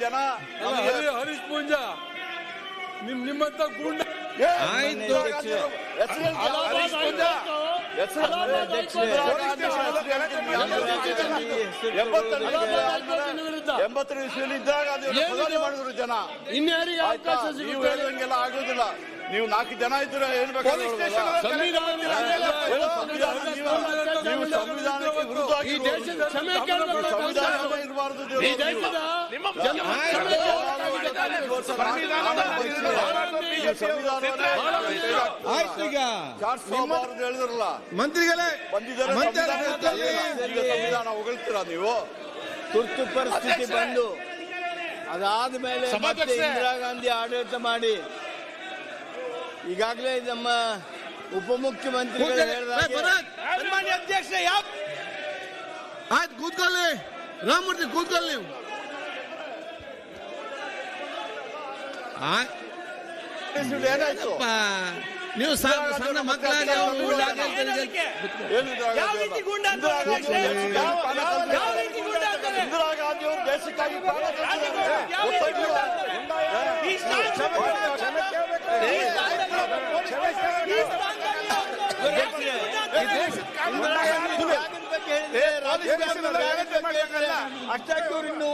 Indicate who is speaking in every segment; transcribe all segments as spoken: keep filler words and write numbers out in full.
Speaker 1: ಜನ
Speaker 2: ಹರೀಶ್ ಪೂಂಜಾ ನಿಮ್ ನಿಮ್ಮಂತ ಗೂಂಡ
Speaker 3: ಆಯ್ತು
Speaker 1: ಎಂಬತ್ತರ ಇಸ್ವಿಯಲ್ಲಿ ಇದ್ದಾಗ ಮಾಡಿದ್ರು ಜನ. ನೀವು ಹೇಳಿದಂಗೆಲ್ಲ ಆಗೋದಿಲ್ಲ. ನೀವು ನಾಲ್ಕು ಜನ ಇದ್ರೆ ಹೇಳ್ಬೇಕು. ನೀವು ಸಂವಿಧಾನಕ್ಕೆ ವಿರುದ್ಧ ಸಂವಿಧಾನ ಇರಬಾರ್ದು.
Speaker 3: ಆಯ್ತು ಈಗ
Speaker 1: ಹೇಳಿದ್ರಲ್ಲ
Speaker 3: ಮಂತ್ರಿಗಳೇ
Speaker 1: ಬಂದಿದ್ದಾರೆ. ಸಂವಿಧಾನ ಹೊಗಳ್ತೀರಾ ನೀವು?
Speaker 4: ತುರ್ತು ಪರಿಸ್ಥಿತಿ ಬಂದು ಅದಾದ ಮೇಲೆ ಇಂದಿರಾ ಗಾಂಧಿ ಆಡಳಿತ ಮಾಡಿ ಈಗಾಗಲೇ ನಮ್ಮ ಉಪಮುಖ್ಯಮಂತ್ರಿಗಳು
Speaker 3: ಸನ್ಮಾನ್ಯ ಅಧ್ಯಕ್ಷ ಯಾವ ಆಯ್ತು ಕೂತ್ಕೊಳ್ಳಿ. ರಾಮಮೂರ್ತಿ ಕೂತ್ಕೊಳ್ಳಿ ನೀವು.
Speaker 1: ಏನಾಯ್ತು?
Speaker 3: ನೀವು ಸಣ್ಣ ಮಕ್ಕಳಾಗಿ
Speaker 1: ಇಂದಿರಾ ಗಾಂಧಿ ಅವರು ದೇಶಕ್ಕಾಗಿ
Speaker 4: ಅಷ್ಟಾಗಿ ಇನ್ನು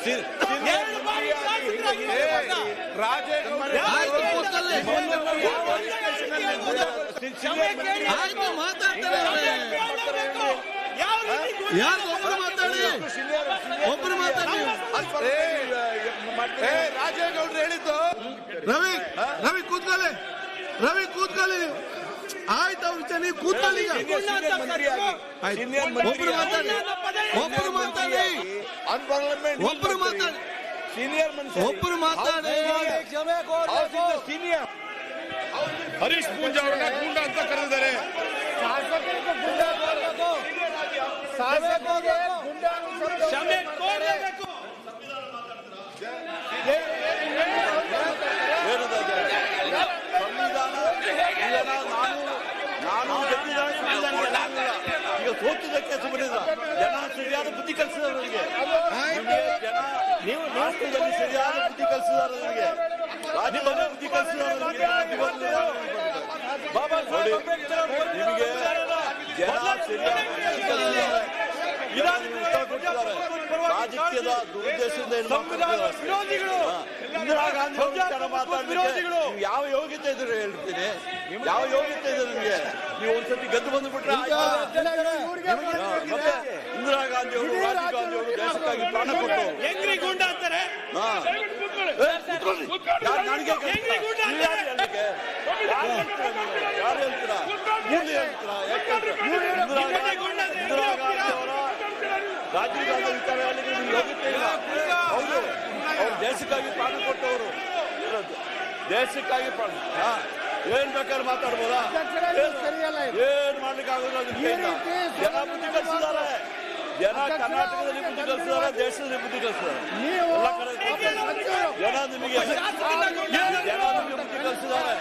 Speaker 3: ಯಾರು ಒಬ್ಬರು ಮಾತಾಡಿ ಒಬ್ಬರು ಮಾತಾಡಿ.
Speaker 1: ರಾಜೇಗೌಡರು ಹೇಳಿದ್ದು.
Speaker 3: ರವಿ ರವಿ ಕೂತ್ಕೊಳ್ಳಿ. ರವಿ ಕೂತ್ಕೊಳ್ಳಿ. ಆಯ್ತು ಅವ್ರು ಚೆನ್ನಾಗಿ ಕೂತ್ಕೊಳ್ಳಿ. ಒಬ್ಬರು ಮಾತಾಡಿ ಒಬ್ಬರು ಮಾತಾಡಿ ಒಬ್ಬರು ಮಾತಾಡಿ
Speaker 4: ಸೀನಿಯರ್
Speaker 3: ಒಬ್ಬರು ಮಾತಾಡಿ.
Speaker 4: ಸೀನಿಯರ್
Speaker 2: ಹರೀಶ್ ಪೂಂಜಾ ಅವರನ್ನ ಗೂಂಡ ಅಂತ ಕರೆದಿದ್ದಾರೆ.
Speaker 1: ನಾನು ಈಗ ಸೋತಿದ್ದಕ್ಕೆ ಸುಮ್ಮನಿಲ್ಲ. ಜನ ಸರಿಯಾದ ಬುದ್ಧಿ ಕಲಿಸಿದಾರೆ ನನಗೆ. ಜನ ನೀವು ರಾಷ್ಟ್ರದಲ್ಲಿ ಸರಿಯಾದ ಬುದ್ಧಿ ಕಲಿಸಿದಾರೆ ನನಗೆ. ರಾಜ್ಯದಲ್ಲಿ ಬುದ್ಧಿ ಕಲಿಸಿದಾರೆ ನನಗೆ. ನಿಮಗೆ ಜನ ಸರಿಯಾದ ಬುದ್ಧಿ ಕಲಿಸಿದ್ದಾರೆ. ರಾಜಕೀಯದ ದುರುದ್ದೇಶದಿಂದ ಇಂದಿರಾ ಗಾಂಧಿ ವಿಚಾರ ಮಾತಾಡ್ಲಿಕ್ಕೆ ಯಾವ ಯೋಗ್ಯತೆ ಇದ್ರೆ ಹೇಳ್ತೀನಿ. ಯಾವ ಯೋಗ್ಯತೆ ಇದೆ ನಿಮಗೆ? ನೀವು ಒಂದ್ಸತಿ ಗೆದ್ದು ಬಂದ್ಬಿಟ್ರೆ ಮತ್ತೆ ಇಂದಿರಾ ಗಾಂಧಿ ಅವರು ರಾಜೀವ್ ಗಾಂಧಿ ಅವರು ದೇಶಕ್ಕಾಗಿ ಪ್ರಾಣ ಕೊಟ್ಟು
Speaker 2: ಅಂತಾರೆ.
Speaker 1: ಯಾರು ಹೇಳ್ತೀರಾ? ಮುಂದೆ ಹೇಳ್ತೀರಾ? ಇಂದಿರಾ ಗಾಂಧಿ ಅವರ ರಾಜೀವ್ ಗಾಂಧಿ ವಿಚಾರ ಹೇಳಲಿಕ್ಕೆ ನಿಮ್ಗೆ ಯೋಗ್ಯತೆ ಇಲ್ಲ. ಹೌದು, ಅವ್ರು ದೇಶಕ್ಕಾಗಿ ಪ್ರಾಣ ಕೊಟ್ಟವರು. ದೇಶಕ್ಕಾಗಿ ಪ್ರಾಣ ಏನ್ ಬೇಕಾದ್ರೆ ಮಾತಾಡ್ಬೋದಾ? ಏನ್ ಮಾಡ್ಲಿಕ್ಕೆ ಆಗೋದಿಲ್ಲ. ಜನ ಬುದ್ಧಿ ಕಲಿಸಿದ್ದಾರೆ. ಜನ ಕರ್ನಾಟಕದಲ್ಲಿ ಬುದ್ಧಿ ಕಲಿಸಿದ್ದಾರೆ, ದೇಶದಲ್ಲಿ ಬುದ್ಧಿ ಕಲಿಸಿದ್ದಾರೆ. ಎಲ್ಲ ಕಡೆ ಜನ ನಿಮಗೆ ಜನ ನಿಮಗೆ ಬುದ್ಧಿ ಕಲಿಸಿದ್ದಾರೆ.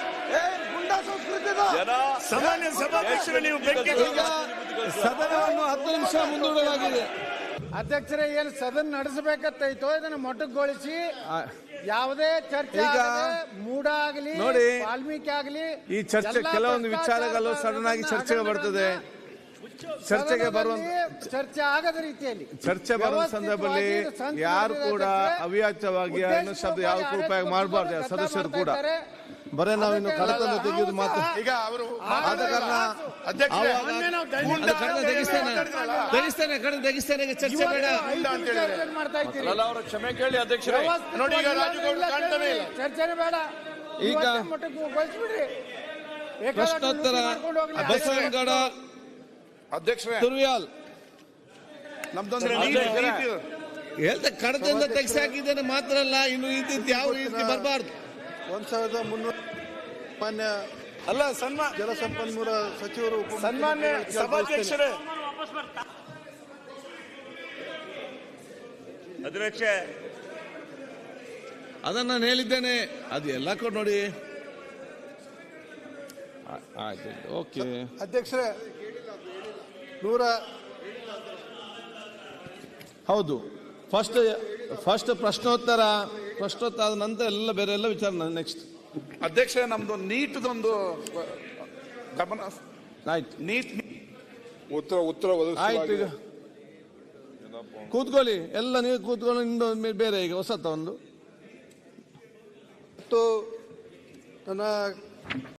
Speaker 1: ಜನ
Speaker 2: ಸಾಮಾನ್ಯ ಸಭಾಧ್ಯಕ್ಷರು ನೀವು
Speaker 3: ಸದನವನ್ನು ಹತ್ತು ನಿಮಿಷ ಮುಂದೂಡಲಾಗಿದೆ.
Speaker 5: ಅಧ್ಯಕ್ಷರೇ, ಏನು ಸದನ ನಡೆಸಬೇಕತ್ತೈತೋ ಇದನ್ನ ಮೊಟಕುಗೊಳಿಸಿ ಯಾವುದೇ ಚರ್ಚೆ ಮೂಡ ಆಗಲಿ
Speaker 3: ನೋಡಿ,
Speaker 5: ವಾಲ್ಮೀಕಿ ಆಗಲಿ
Speaker 3: ಈ ಚರ್ಚೆ ಕೆಲವೊಂದು ವಿಚಾರಗಳು ಸಡನ್ ಆಗಿ ಚರ್ಚೆಗೆ ಬರ್ತದೆ. ಚರ್ಚೆಗೆ ಬರುವ
Speaker 5: ಚರ್ಚೆ ಆಗದ ರೀತಿಯಲ್ಲಿ
Speaker 3: ಚರ್ಚೆ ಬರುವ ಸಂದರ್ಭದಲ್ಲಿ ಯಾರು ಕೂಡ ಅವ್ಯಾಚ್ಯವಾಗಿ ಅನ್ನೋ ಶಬ್ದ ಯಾವ ಉಪಯೋಗ ಮಾಡಬಾರ್ದು. ಸದಸ್ಯರು ಕೂಡ ಬರೇ ನಾವಿನ್ನು ಕಡತನ್ನು ತೆಗೆಯುವುದು ಮಾತ್ರ.
Speaker 2: ಈಗ ಅವರು
Speaker 3: ಆದ ಕಾರಣ ತೆಗಿಸ್ತೇನೆ ತೆಗಿಸ್ತೇನೆ ಕಡೆ ತೆಗಿಸ್ತೇನೆ. ಚರ್ಚೆ ಬೇಡ
Speaker 5: ಮಾಡ್ತಾ ಇದ್ದೀರಿ.
Speaker 1: ಅವರ ಕ್ಷಮೆ ಕೇಳಿ ಅಧ್ಯಕ್ಷರೇ.
Speaker 2: ನೋಡಿ, ಈಗ ರಾಜುಗೌಡ ಕಾಣ್ತಾನೆ ಇಲ್ಲ.
Speaker 5: ಚರ್ಚೆನೇ ಬೇಡ.
Speaker 3: ಈಗ
Speaker 5: ಮೊಟಕುಗೊಳಿಸ್ಬಿಡ್ರಿ.
Speaker 3: ಪ್ರಶ್ನೋತ್ತರ ಬಸವನಗೌಡ
Speaker 2: ಅಧ್ಯಕ್ಷರೇ,
Speaker 3: ತುರ್ವ್ಯಾಲ್
Speaker 2: ನಮ್ದೊಂದು
Speaker 3: ಹೇಳ್ತಾ ಕಡತದಿಂದ ತೆಗೆಸಿ ಹಾಕಿದ್ದೇನೆ ಮಾತ್ರ ಅಲ್ಲ, ಇನ್ನು ಇದ್ದಿದ್ದು ಯಾವ ರೀತಿ ಬರಬಾರ್ದು.
Speaker 6: ಒಂದ್ ಸಾವಿರದ ಮುನ್ನೂರ ಮಾನ್ಯ
Speaker 2: ಅಲ್ಲ ಸನ್ಮಾನ
Speaker 6: ಜಲಸಂಪನ್ಮೂಲ ಸಚಿವರು
Speaker 2: ಸನ್ಮಾನ್ಯ ಸಭಾಧ್ಯಕ್ಷರೇ. ಅಧ್ಯಕ್ಷ
Speaker 3: ಅದನ್ನ ನಾನು ಹೇಳಿದ್ದೇನೆ. ಅದು ಎಲ್ಲ ಕೊಡ್ ನೋಡಿ. ಆಯ್ತು, ಓಕೆ
Speaker 6: ಅಧ್ಯಕ್ಷರೇ, ನೂರ
Speaker 3: ಹೌದು ಫಸ್ಟ್ ಫಸ್ಟ್ ಪ್ರಶ್ನೋತ್ತರ ಪ್ರಶ್ನೋತ್ತರ ಆದ ನಂತರ ಎಲ್ಲ ಬೇರೆ ಎಲ್ಲ ವಿಚಾರ ನೆಕ್ಸ್ಟ್.
Speaker 2: ಅಧ್ಯಕ್ಷ ನಮ್ದು ನೀಟ್ದೊಂದು ಗಮನ
Speaker 3: ಆಯ್ತು
Speaker 2: ನೀಟ್ ಉತ್ತರ ಉತ್ತರ
Speaker 3: ಆಯ್ತು. ಈಗ ಕೂತ್ಕೊಳ್ಳಿ, ಎಲ್ಲ ನೀವು ಕೂತ್ಕೊಳ್ಳಿ. ಇಂದು ಬೇರೆ ಈಗ ಹೊಸತ ಒಂದು
Speaker 6: ನನ್ನ